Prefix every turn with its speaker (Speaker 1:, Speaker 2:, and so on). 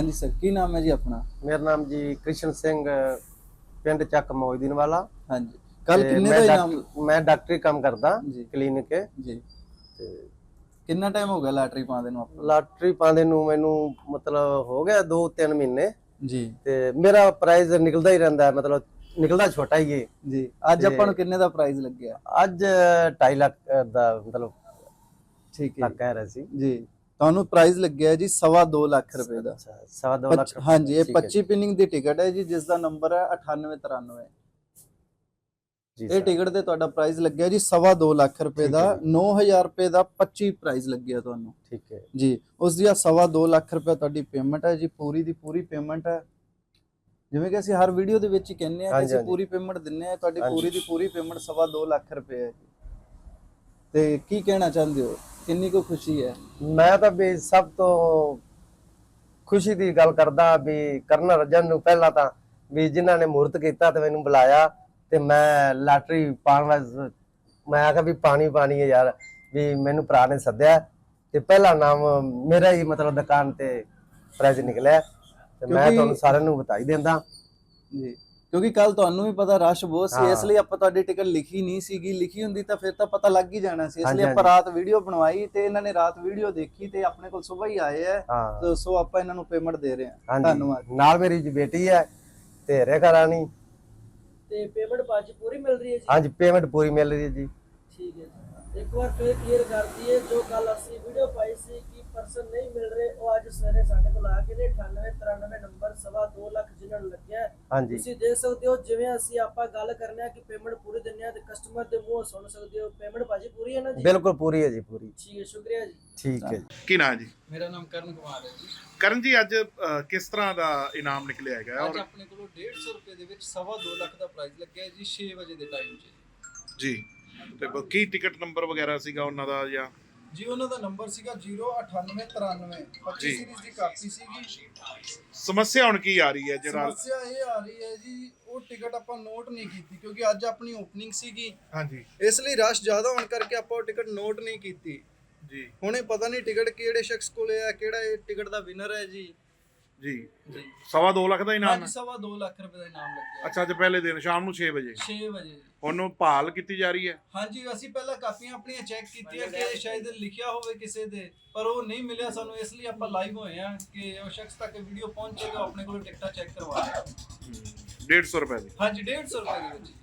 Speaker 1: हाँ जी सर, की नाम है जी अपना?
Speaker 2: मेरा नाम जी कृष्ण सिंह, पिंड ਚੱਕ ਮੌਜਦੀਨ ਵਾਲਾ।
Speaker 1: हाँ जी, कल किन्ने दा इनाम?
Speaker 2: मैं डॉक्टरी काम करदा
Speaker 1: जी
Speaker 2: ਕਲੀਨਿਕ के
Speaker 1: जी।
Speaker 2: ਤੇ
Speaker 1: कितना टाइम हो गया लॉटरी पाने ਨੂੰ ਆਪਾਂ?
Speaker 2: ਲਾਟਰੀ ਪਾਉਂਦੇ ਨੂੰ ਮੈਨੂੰ ਮਤਲਬ ਹੋ ਗਿਆ 2-3 ਮਹੀਨੇ
Speaker 1: जी
Speaker 2: ਤੇ ਮੇਰਾ ਪ੍ਰਾਈਜ਼ ਨਿਕਲਦਾ ਹੀ ਰਹਿੰਦਾ ਹੈ, ਮਤਲਬ ਨਿਕਲਦਾ ਛੋਟਾ ਹੀ ਹੈ
Speaker 1: जी। ਅੱਜ ਆਪਾਂ ਨੂੰ ਕਿੰਨੇ ਦਾ ਪ੍ਰਾਈਜ਼ ਲੱਗਿਆ?
Speaker 2: ਅੱਜ 2.5 ਲੱਖ ਦਾ ਮਤਲਬ
Speaker 1: ਠੀਕ ਹੈ
Speaker 2: ਕਹਿ ਰਹੇ ਸੀ
Speaker 1: ਜੀ। ਤੁਹਾਨੂੰ ਪ੍ਰਾਈਜ਼ ਲੱਗਿਆ ਜੀ 2.5 ਲੱਖ ਰੁਪਏ ਦਾ।
Speaker 2: 2.5 ਲੱਖ।
Speaker 1: हाँ जी, ये 25 ਪਿਨਿੰਗ ਦੀ ਟਿਕਟ ਹੈ ਜੀ, ਜਿਸ ਦਾ ਨੰਬਰ ਹੈ 9893। ਇਹ ਟਿਕਟ ਤੇ ਤੁਹਾਡਾ ਪ੍ਰਾਈਜ਼ ਲੱਗਿਆ ਜੀ 2.5 ਲੱਖ ਰੁਪਏ ਦਾ। 9000 ਰੁਪਏ ਦਾ 25 ਪ੍ਰਾਈਜ਼ ਲੱਗਿਆ ਤੁਹਾਨੂੰ।
Speaker 2: ਠੀਕ ਹੈ
Speaker 1: ਜੀ। ਉਸ ਦੀ 2.5 ਲੱਖ ਰੁਪਏ ਤੁਹਾਡੀ ਪੇਮੈਂਟ ਹੈ ਜੀ, ਪੂਰੀ ਦੀ ਪੂਰੀ ਪੇਮੈਂਟ ਹੈ। ਜਿਵੇਂ ਕਿ ਅਸੀਂ ਹਰ ਵੀਡੀਓ ਦੇ ਵਿੱਚ ਹੀ ਕਹਿੰਦੇ ਆ ਕਿ ਅਸੀਂ ਪੂਰੀ ਪੇਮੈਂਟ ਦਿੰਨੇ ਆ, ਤੁਹਾਡੀ ਪੂਰੀ ਦੀ ਪੂਰੀ ਪੇਮੈਂਟ 2.5 ਲੱਖ ਰੁਪਏ ਹੈ। ਤੇ ਕੀ ਕਹਿਣਾ ਚਾਹੁੰਦੇ ਹੋ, ਕਿੰਨੀ ਕੁ ਖੁਸ਼ੀ ਹੈ?
Speaker 2: ਮੈਂ ਤਾਂ ਵੀ ਸਭ ਤੋਂ ਖੁਸ਼ੀ ਦੀ ਗੱਲ ਕਰਦਾ ਵੀ ਕਰਨ ਰਜਨ ਨੂੰ ਪਹਿਲਾਂ ਤਾਂ ਵੀ ਜਿਨ੍ਹਾਂ ਨੇ ਮੂਰਤ ਕੀਤਾ ਤੇ ਮੈਨੂੰ ਬੁਲਾਇਆ ਤੇ ਮੈਂ ਲਾਟਰੀ ਪਾਉਣ ਵਾਸਤੇ ਮੈਂ ਆਖਿਆ ਵੀ ਪਾਣੀ ਹੈ ਯਾਰ, ਵੀ ਮੈਨੂੰ ਭਰਾ ਨੇ ਸੱਦਿਆ ਤੇ ਪਹਿਲਾ ਨਾਮ ਮੇਰਾ ਹੀ ਮਤਲਬ ਦੁਕਾਨ ਤੇ ਪ੍ਰਾਈਜ਼ ਨਿਕਲਿਆ ਤੇ ਮੈਂ ਤੁਹਾਨੂੰ ਸਾਰਿਆਂ ਨੂੰ ਬਤਾਈ ਦਿੰਦਾ
Speaker 1: ਜੀ। ਕਿਉਂਕਿ ਕੱਲ ਤੁਹਾਨੂੰ ਵੀ ਪਤਾ ਰਸ਼ ਬਹੁਤ ਸੀ, ਇਸ ਲਈ ਆਪਾਂ ਤੁਹਾਡੀ ਟਿਕਟ ਲਿਖੀ ਨਹੀਂ ਸੀਗੀ। ਲਿਖੀ ਹੁੰਦੀ ਤਾਂ ਫਿਰ ਤਾਂ ਪਤਾ ਲੱਗ ਹੀ ਜਾਣਾ ਸੀ, ਇਸ ਲਈ ਆਪਾਂ ਰਾਤ ਵੀਡੀਓ ਬਣਵਾਈ ਤੇ ਇਹਨਾਂ ਨੇ ਰਾਤ ਵੀਡੀਓ ਦੇਖੀ ਤੇ ਆਪਣੇ ਕੋਲ ਸਵੇਰ ਹੀ ਆਏ ਆ। ਸੋ ਆਪਾਂ ਇਹਨਾਂ ਨੂੰ ਪੇਮੈਂਟ ਦੇ ਰਹੇ ਹਾਂ। ਧੰਨਵਾਦ।
Speaker 2: ਨਾਲ ਮੇਰੀ ਬੇਟੀ ਹੈ ਤੇ ਰੇਖਾ ਰਾਣੀ।
Speaker 3: ਤੇ ਪੇਮੈਂਟ ਬਾਅਦ ਪੂਰੀ ਮਿਲ ਰਹੀ ਹੈ ਜੀ?
Speaker 2: ਹਾਂਜੀ, ਪੇਮੈਂਟ ਪੂਰੀ ਮਿਲ ਰਹੀ ਹੈ ਜੀ।
Speaker 3: ਠੀਕ ਹੈ ਜੀ। ਇੱਕ ਵਾਰ ਫੇਰ ਕਲੀਅਰ ਕਰ ਦਈਏ, ਜੋ ਕੱਲ ਅਸੀਂ ਵੀਡੀਓ ਪਾਈ ਸੀ ਕਿ ਪਰਸਨ ਨਹੀਂ ਮਿਲ ਰਹੇ, ਉਹ ਅੱਜ ਸਵੇਰੇ ਸਾਡੇ ਕੋਲ ਆ ਕੇ ਨੇ 9893 ਨੰਬਰ 2.5 ਲੱਖ ਜਿਨ੍ਹਾਂ ਨੂੰ ਲੱਗਿਆ। ਤੁਸੀਂ ਦੇਖ ਸਕਦੇ ਹੋ ਜਿਵੇਂ ਅਸੀਂ ਆਪਾਂ ਗੱਲ ਕਰਨੇ ਆ ਕਿ ਪੇਮੈਂਟ ਪੂਰੀ ਦਿੰਨੇ ਆ ਤੇ ਕਸਟਮਰ ਦੇ ਮੂੰਹੋਂ ਸੁਣ ਸਕਦੇ ਹੋ ਪੇਮੈਂਟ ਭਾਜੀ ਪੂਰੀ ਹੈ ਨਾ ਜੀ?
Speaker 2: ਬਿਲਕੁਲ ਪੂਰੀ ਹੈ ਜੀ, ਪੂਰੀ।
Speaker 3: ਠੀਕ ਹੈ, ਸ਼ੁਕਰੀਆ ਜੀ।
Speaker 2: ਠੀਕ ਹੈ।
Speaker 4: ਕੀ ਨਾਮ ਜੀ?
Speaker 1: ਮੇਰਾ ਨਾਮ ਕਰਨ ਕੁਮਾਰ ਹੈ ਜੀ।
Speaker 4: ਕਰਨ ਜੀ, ਅੱਜ ਕਿਸ ਤਰ੍ਹਾਂ ਦਾ ਇਨਾਮ ਨਿਕਲਿਆ ਹੈਗਾ?
Speaker 1: ਅੱਜ ਆਪਣੇ ਕੋਲੋਂ 150 ਰੁਪਏ ਦੇ ਵਿੱਚ 2.5 ਲੱਖ ਦਾ ਪ੍ਰਾਈਜ਼ ਲੱਗਿਆ ਜੀ 6 ਵਜੇ ਦੇ ਟਾਈਮ 'ਚ
Speaker 4: ਜੀ। ਤੇ ਕੀ ਟਿਕਟ ਨੰਬਰ ਵਗੈਰਾ ਸੀਗਾ ਉਹਨਾਂ ਦਾ ਜਾਂ?
Speaker 1: ਜੀ ਉਹਨਾਂ ਦਾ ਨੰਬਰ ਸੀਗਾ 09893 25 ਸੀਰੀਜ਼ ਦੀ ਕਾਪੀ ਸੀਗੀ।
Speaker 4: ਸਮੱਸਿਆ ਹੁਣ ਕੀ ਆ ਰਹੀ ਹੈ? ਜਿਹੜਾ
Speaker 1: ਸਮੱਸਿਆ ਇਹ ਆ ਰਹੀ ਹੈ ਜੀ, ਉਹ ਟਿਕਟ ਆਪਾਂ ਨੋਟ ਨਹੀਂ ਕੀਤੀ ਕਿਉਂਕਿ ਅੱਜ ਆਪਣੀ ਓਪਨਿੰਗ ਸੀਗੀ।
Speaker 4: ਹਾਂਜੀ।
Speaker 1: ਇਸ ਲਈ ਰਸ਼ ਜ਼ਿਆਦਾ ਹੋਣ ਕਰਕੇ ਆਪਾਂ ਉਹ ਟਿਕਟ ਨੋਟ ਨਹੀਂ ਕੀਤੀ
Speaker 4: ਜੀ।
Speaker 1: ਹੁਣ ਇਹ ਪਤਾ ਨਹੀਂ ਟਿਕਟ ਕਿਹੜੇ ਸ਼ਖਸ ਕੋਲੇ ਹੈ, ਕਿਹੜਾ ਇਹ ਟਿਕਟ ਦਾ ਵਿਨਰ ਹੈ ਜੀ।
Speaker 4: ਜੀ। 2.5 ਲੱਖ ਦਾ ਇਨਾਮ ਹੈ?
Speaker 1: 2.5 ਲੱਖ ਰੁਪਏ ਦਾ ਇਨਾਮ ਲੱਗਿਆ।
Speaker 4: ਅੱਛਾ, ਅੱਜ ਪਹਿਲੇ ਦਿਨ ਸ਼ਾਮ ਨੂੰ 6 ਵਜੇ?
Speaker 1: 6 ਵਜੇ।
Speaker 4: ਹੁਣ ਭਾਲ ਕੀਤੀ ਜਾ ਰਹੀ ਹੈ?
Speaker 1: ਹਾਂਜੀ, ਅਸੀਂ ਪਹਿਲਾਂ ਕਾਪੀਆਂ ਆਪਣੀਆਂ ਚੈੱਕ ਕੀਤੀਆਂ ਕਿ ਸ਼ਾਇਦ ਲਿਖਿਆ ਹੋਵੇ ਕਿਸੇ ਦੇ, ਪਰ ਉਹ ਨਹੀਂ ਮਿਲਿਆ ਸਾਨੂੰ। ਇਸ ਲਈ ਆਪਾਂ ਲਾਈਵ ਹੋਏ ਆ ਕਿ ਉਹ ਸ਼ਖਸ ਤੱਕ ਵੀਡੀਓ ਪਹੁੰਚੇਗਾ, ਆਪਣੇ ਕੋਲ ਟਿਕਟਾਂ ਚੈੱਕ ਕਰਵਾ ਲਿਆ।
Speaker 4: 150 ਰੁਪਏ ਦੀ?
Speaker 1: ਹਾਂਜੀ, 150 ਰੁਪਏ ਦੇ ਵਿੱਚ।